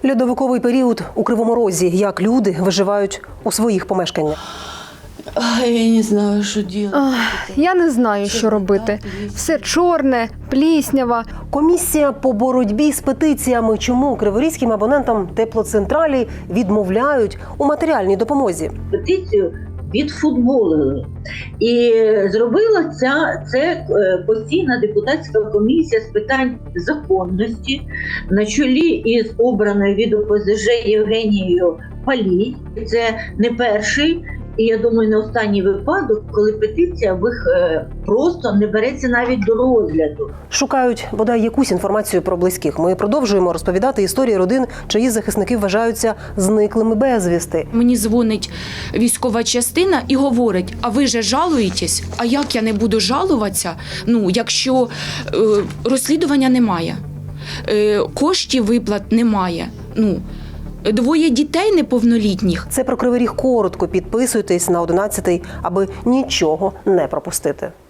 Льодовиковий період у Кривому Розі. Як люди виживають у своїх помешканнях. Я не знаю, що робити. Я не знаю, що робити. Все чорне, пліснява. Комісія по боротьбі з петиціями. Чому криворізьким абонентам теплоцентралі відмовляють у матеріальній допомозі? Петицію відфутболили. І зробила це постійна депутатська комісія з питань законності на чолі із обраною від ОПЗЖ Євгенією Палій. Це не перший і, я думаю, не останній випадок, коли петиція просто не береться навіть до розгляду. Шукають бодай якусь інформацію про близьких. Ми продовжуємо розповідати історії родин, чиї захисники вважаються зниклими безвісти. Мені дзвонить військова частина і говорить: а ви же жалуєтесь? А як я не буду жалуватися, якщо розслідування немає, коштів виплат немає, двоє дітей неповнолітніх. Це про Кривий Ріг коротко. Підписуйтесь на 11-й, аби нічого не пропустити.